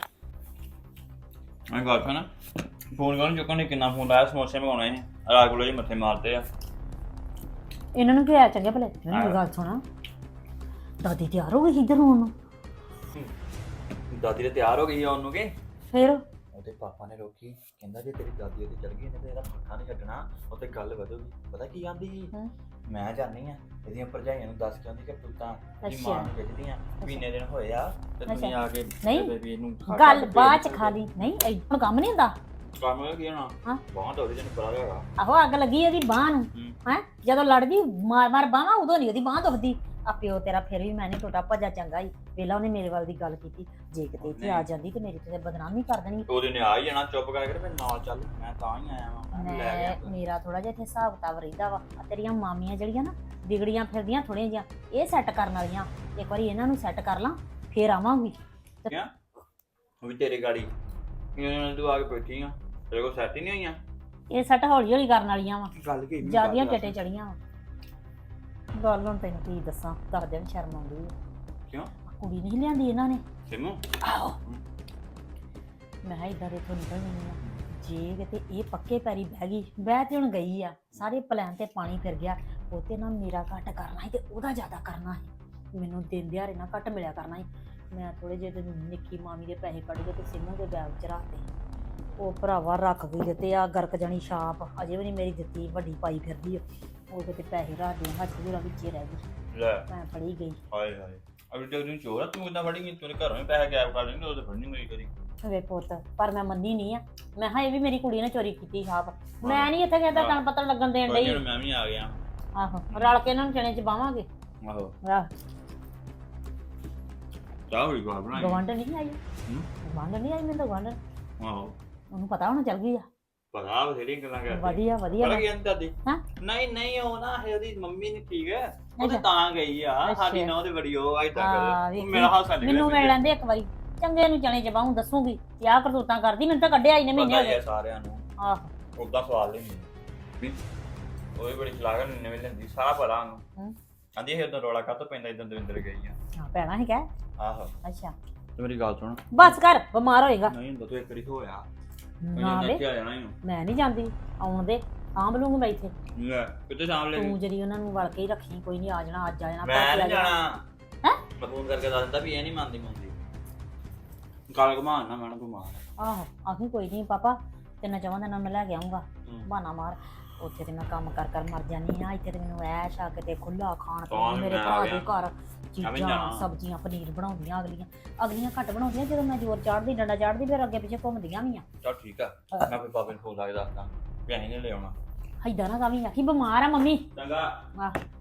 S2: ਮੈਂ ਗੱਲ ਸੁਣਾ, ਫੋਨ ਕਰਨ ਚੁੱਕਣ ਨੇ ਕਿੰਨਾ ਫੋਨ ਲਾਇਆ। ਸਮੋਸੇ ਮੰਗਾਉਣੇ ਨੇ, ਰਾਤ ਕੋਲੇ ਜੀ ਮੱਥੇ ਮਾਰਦੇ ਆ।
S6: ਇਹਨਾਂ ਨੂੰ ਕਿਹਾ ਚੰਗੇ ਭਲੇ। ਮੈਨੂੰ ਗੱਲ ਸੁਣਾ, ਦਾਦੀ ਤਿਆਰ ਹੋ ਗਈ ਇੱਧਰ ਹੋਣ ਨੂੰ?
S2: ਦਾਦੀ ਤੇ ਤਿਆਰ ਹੋ ਗਈ ਆ ਉਹਨੂੰ ਕੇ।
S6: ਫਿਰ
S2: ਉਹਦੇ ਪਾਪਾ ਨੇ ਰੋਕੀ, ਕਹਿੰਦਾ ਜੇ ਤੇਰੀ ਦਾਦੀ ਉਹਦੇ ਚੜ ਗਈ ਨੇ ਤੇ ਇਹਦਾ ਪੱਖਾ ਨਹੀਂ ਛੱਡਣਾ, ਉੱਥੇ ਗੱਲ ਵਧੂਗੀ। ਪਤਾ ਕੀ ਆਂਦੀ ਸੀ? ਮੈਂ ਜਾਣੀ ਆ ਇਹਦੀਆਂ ਭਰਜਾਈਆਂ ਨੂੰ ਦੱਸ ਕੇ ਆਉਂਦੀ ਕਿ ਤੂੰ ਤਾਂ ਦੀ ਮਾਂ ਨੂੰ ਖਿੱਚਦੀ ਆ। ਮਹੀਨੇ ਦਿਨ ਹੋਏ ਆ ਤੇ ਤੁਸੀਂ ਆ ਕੇ ਬੇਬੀ ਇਹਨੂੰ
S6: ਗੱਲ ਬਾਅਦ ਚ ਖਾ ਲਈ। ਨਹੀਂ ਐਡਾ ਕੰਮ ਨਹੀਂ ਹੁੰਦਾ।
S2: ਕੰਮ ਕੀ ਹੋਣਾ?
S6: ਹਾਂ
S2: ਬਹੁਤ ਉਹਦੇ ਜਨ ਪਰਾ ਹੈਗਾ।
S6: ਆਹੋ ਅੱਗ ਲੱਗੀ ਉਹਦੀ ਬਾਹ ਨੂੰ। ਹੈ ਜਦੋਂ ਲੜਦੀ ਮਾਰ ਬਾਹਾਂ, ਉਦੋਂ ਨਹੀਂ ਉਹਦੀ ਬਾਹ ਦੁਖਦੀ। ਆ ਪਿਓ ਤੇਰਾ ਫਿਰ ਵੀ ਮੈਂ ਨਹੀਂ ਟੁੱਟਾ ਭੱਜਾ ਚੰਗਾ ਹੀ। ਵੇਲਾ ਉਹਨੇ ਮੇਰੇ ਵੱਲ ਦੀ ਗੱਲ ਕੀਤੀ। ਜੇ ਕਿਤੇ ਇੱਥੇ ਆ ਜਾਂਦੀ ਤੇ ਮੇਰੀ ਤੇ ਬਦਨਾਮੀ ਕਰ ਦੇਣੀ।
S2: ਉਹਦੇ ਨੇ ਆ ਹੀ ਜਾਣਾ। ਚੁੱਪ ਕਰਕੇ ਮੇਰੇ ਨਾਲ ਚੱਲ। ਮੈਂ ਤਾਂ ਹੀ ਆਇਆ ਵਾਂ। ਮੈਂ ਲੈ ਗਿਆ ਤੂੰ।
S6: ਮੇਰਾ ਥੋੜਾ ਜਿਹਾ ਇੱਥੇ ਹਿਸਾਬ ਕਿਤਾਬ ਰਹਿੰਦਾ ਵਾ। ਆ ਤੇਰੀਆਂ ਮਾਮੀਆਂ ਜਿਹੜੀਆਂ ਨਾ ਵਿਗੜੀਆਂ ਫਿਰਦੀਆਂ ਥੋੜੀਆਂ ਜਿਹੀਆਂ, ਇਹ ਸੈੱਟ ਕਰਨ ਵਾਲੀਆਂ। ਇੱਕ ਵਾਰੀ ਇਹਨਾਂ ਨੂੰ ਸੈੱਟ ਕਰ ਲਾਂ ਫੇਰ ਆਵਾਂਗੀ।
S2: ਕਿਆ ਉਹ ਵੀ ਤੇਰੀ ਗਾੜੀ ਇਹਨਾਂ ਤੂੰ ਆ ਕੇ ਬੈਠੀ ਆ, ਤੇਰੇ ਕੋਲ ਸੈੱਟ ਹੀ ਨਹੀਂ ਹੋਈਆਂ।
S6: ਇਹ ਸੈੱਟ ਹੌਲੀ ਹੌਲੀ ਕਰਨ ਵਾਲੀਆਂ ਵਾ।
S2: ਗੱਲ ਕੀ
S6: ਜਿਆਦੀਆਂ ਟੇਟੇ ਚੜੀਆਂ ਵਾ। ਗੱਲ ਹੁਣ ਤੈਨੂੰ ਕੀ ਦੱਸਾਂ, ਕਰਦੇ ਨੂੰ ਸ਼ਰਮ ਆਉਂਦੀ ਹੈ।
S2: ਕਿਉਂ?
S6: ਕੁੜੀ ਨਹੀਂ ਲਿਆਂਦੀ ਇਹਨਾਂ ਨੇ।
S2: ਸਿਮੂ
S6: ਆਹੋ ਮੈਂ ਕਿਹਾ ਇਦਾਂ ਦੇ ਤੋਂ ਨਿਕਲ ਨਹੀਂ ਆ। ਜੇ ਕਿਤੇ ਇਹ ਪੱਕੇ ਪੈਰੀ ਬਹਿ ਗਈ, ਬਹਿ ਤੇ ਹੁਣ ਗਈ ਆ। ਸਾਰੇ ਪਲਾਨ ਤੇ ਪਾਣੀ ਫਿਰ ਗਿਆ। ਉਹ ਤੇ ਨਾ ਮੇਰਾ ਘੱਟ ਕਰਨਾ ਸੀ ਤੇ ਉਹਦਾ ਜ਼ਿਆਦਾ ਕਰਨਾ ਸੀ। ਮੈਨੂੰ ਦਿਨ ਦਿਹਾੜੇ ਨਾ ਘੱਟ ਮਿਲਿਆ ਕਰਨਾ ਸੀ। ਮੈਂ ਥੋੜੇ ਜਿਹੇ ਨਿੱਕੀ ਮਾਮੀ ਦੇ ਪੈਸੇ ਕੱਢ ਕੇ ਤੇ ਸਿੰਮੂ ਦੇ ਬੈਗ 'ਚ ਰੱਖਤੇ। ਉਹ ਭਰਾਵਾ ਰੱਖ ਗਈ ਦਿੱਤੇ ਆ ਗਰਕ ਜਾਣੀ ਛਾਪ। ਅਜੇ ਵੀ ਨਹੀਂ ਮੇਰੀ ਦਿੱਤੀ, ਵੱਡੀ ਪਾਈ ਫਿਰਦੀ ਆ। ਉਹ ਕਿਤੇ ਪੈਸੇ ਰੱਖ ਦੇ ਹੱਥ ਦੇ ਵਿੱਚ ਹੀ ਰਹਿ ਗਈ।
S2: ਲੈ
S6: ਮੈਂ ਫੜੀ ਗਈ।
S2: ਹਾਏ ਹਾਏ ਅਬੇ ਤੇ ਉਹਨੂੰ ਚੋਰ ਆ, ਤੂੰ ਕਿੱਦਾਂ ਫੜੀ ਗਈ? ਤੂੰ ਘਰੋਂ ਹੀ ਪੈਸੇ ਗਾਇਬ ਕਰ ਲੈਂਗੇ। ਉਹ ਤੇ ਫੜਨੀ ਹੋਈ ਕਦੀ।
S6: ਵੇ ਪੁੱਤ ਪਰ ਮੈਂ ਮੰਨੀ ਨਹੀਂ ਆ। ਮੈਂ ਕਿਹਾ ਇਹ ਵੀ ਮੇਰੀ ਕੁੜੀ ਨੇ ਚੋਰੀ ਕੀਤੀ ਛਾਪ। ਮੈਂ ਨਹੀਂ ਇੱਥੇ ਕਿਸੇ ਦਾ ਤਣ ਪਤਨ ਲੱਗਣ ਦੇਣ
S2: ਕੋਈ
S6: ਡਈ।
S2: ਨੀ, ਮੈਂ ਵੀ ਆ ਗਿਆ।
S6: ਆਹੋ ਰਲ ਕੇ ਇਹਨਾਂ ਨੂੰ ਚਣੇ ਚ ਬਾਵਾਂਗੇ।
S2: ਆਹੋ
S6: ਆਹ
S2: ਚਾਹ ਹੋਈ ਗਵਾ ਬਣਾਈ।
S6: ਗਵੰਡ ਨਹੀਂ ਆਈ।
S2: ਹੂੰ?
S6: ਗਵੰਡ ਨਹੀਂ ਆਈ ਮੈਨੂੰ ਤਾਂ ਗਵੰਡ
S2: ਆਹੋ
S6: ਉਹਨੂੰ ਪਤਾ ਹੋਣਾ ਚੱਲ ਗਈ ਆ।
S2: ਪਤਾ ਬਥੇਰੀ ਗੱਲਾਂ ਕਰਦੀ।
S6: ਵਧੀਆ ਵਧੀਆ
S2: ਪਤਾ ਕੀ ਕਹਿੰਦੀ ਦਾਦੀ?
S6: ਹਾਂ?
S2: ਨਹੀਂ ਨਹੀਂ ਉਹ ਨਾ ਇਹ ਉਹਦੀ ਮੰਮੀ ਨਹੀਂ ਠੀਕ ਹੈ ਉਹ
S6: ਅੱਛਾ।
S2: ਤੇ ਤਾਂ ਗਈ ਆ
S6: ਅੱਛਾ।
S2: ਸਾਡੀ ਨਾ ਉਹਦੇ ਬੜੀ ਉਹ ਇਦਾਂ
S6: ਹਾਂ,
S2: ਕਰ
S6: ਵੇਖੀ।
S2: ਮੇਰਾ ਹਾਸਾ ਨਿਕਲਿਆ
S6: ਮੈਨੂੰ ਮਿਲ ਲੈਂਦੇ ਇੱਕ ਵਾਰੀ ਚੰਗੇ ਨੂੰ ਚਣੇ ਚ ਬਾਹੂ ਦੱਸੂਗੀ ਕਿ ਆਹ ਕਰਤੂਤਾਂ ਕਰਦੀ। ਮੈਨੂੰ ਤਾਂ ਕੱਢਿਆ ਹੀ ਨੇ ਮਹੀਨੇ
S2: ਪਤਾ
S6: ਹੋ
S2: ਹੀ ਆ
S6: ਗਏ।
S2: ਸਾਰਿਆਂ ਨੂੰ
S6: ਆਹੋ
S2: ਉਦਾਂ ਸਵਾਲ ਨਹੀਂ ਵੀ ਉਹ ਵੀ ਬੜੀ ਚਲਾਕ ਨਵੇਂ ਲੈਂਦੀ ਸਾਰਾ ਪਤਾ ਉਹਨੂੰ
S6: ਹੂੰ।
S2: ਕਹਿੰਦੀ ਇਹ ਉਦੋਂ ਰੌਲਾ ਕਾਹਤੋਂ ਪੈਂਦਾ ਇਦਾਂ ਦਵਿੰਦਰ ਗਈ ਆ
S6: ਹਾਂ ਭੈਣਾ ਹੀ ਕਹਿ।
S2: ਆਹੋ
S6: ਅੱਛਾ
S2: ਤੇ ਮੇਰੀ ਗੱਲ ਸੁਣ
S6: ਬਸ ਕਰ ਬਿਮਾਰ ਹੋਏਗਾ।
S2: ਨਹੀਂ ਹੁੰਦਾ ਤੂੰ ਇੱਕ ਵਾਰੀ ਹੋਇਆ
S6: ਨਾ ਵੇ
S2: ਆ ਜਾਣਾ ਹੀ
S6: ਮੈਂ ਨਹੀਂ ਜਾਂਦੀ ਆਉਣ ਦੇ ਸਾਂਭ ਲੂੰਗੀ ਮੈਂ ਇੱਥੇ।
S2: ਲੈ ਕਿੱਥੇ ਸਾਂਭ ਲੈ
S6: ਤੂੰ ਜਿਹੜੀ ਉਹਨਾਂ ਨੂੰ ਵੜ ਕੇ ਹੀ ਰੱਖੀ ਕੋਈ ਨਹੀਂ ਆ ਜਾਣਾ ਅੱਜ ਆ ਜਾਣਾ
S2: ਮੈਂ
S6: ਭਲਕੇ
S2: ਨਹੀਂ
S6: ਆ ਜਾਣਾ।
S2: ਜਾਣਾ
S6: ਹੈਂ?
S2: ਮੈਂ ਫੋਨ ਕਰਕੇ ਦੱਸ ਦਿੰਦਾ ਵੀ ਇਹ ਨਹੀਂ ਮੰਨਦੀ ਗੱਲ ਘਮਾਨ ਨਾ ਮੈਂ ਬਿਮਾਰ
S6: ਆਹੋ ਆਖੀ ਕੋਈ ਨਹੀਂ ਪਾਪਾ ਤੈਨੂੰ ਚਾਹੁੰਦਾ ਨਾ ਮੈਂ ਲੈ ਕੇ ਆਉਂਗਾ
S2: ਹੂੰ।
S6: ਬਹਾਨਾ ਮਾਰ। ਉੱਥੇ ਤੇ ਮੈਂ ਕੰਮ ਕਰ ਕਰ ਮਰ ਜਾਨੀ ਆ। ਇੱਥੇ ਤੇ ਮੈਨੂੰ ਐਸ਼ ਆ ਕਿਤੇ ਖੁੱਲਾ ਖਾਣ
S2: ਕੌਣ
S6: ਪੀਣ ਮੇਰੇ
S2: ਮੈਂ
S6: ਭਰਾ
S2: ਆ
S6: ਦੇ
S2: ਗਿਆ।
S6: ਘਰ
S2: ਐਵੇਂ
S6: ਚੀਜ਼ਾਂ
S2: ਜਾਣਾ।
S6: ਸਬਜ਼ੀਆਂ ਪਨੀਰ ਬਣਾਉਂਦੀਆਂ ਅਗਲੀਆਂ ਘੱਟ ਬਣਾਉਂਦੀਆਂ ਜਦੋਂ ਮੈਂ ਜ਼ੋਰ ਚਾੜਦੀ ਡੰਡਾ ਚਾੜਦੀ ਫਿਰ ਅੱਗੇ ਪਿੱਛੇ ਘੁੰਮਦੀਆਂ ਵੀ ਆ।
S2: ਚਲ ਠੀਕ ਆ ਮੈਂ ਫਿਰ ਬਾਬੇ ਨੂੰ ਫੋਨ ਲਾ ਕੇ ਦੱਸਦਾ ਵੀ ਅਸੀਂ ਨਹੀਂ ਲੈ ਆਉਣਾ
S6: ਏਦਾਂ ਨਾ ਕਵੀਂ ਆਖੀ ਬਿਮਾਰ ਆ ਮੰਮੀ।
S2: ਚੰਗਾ
S6: ਆਹ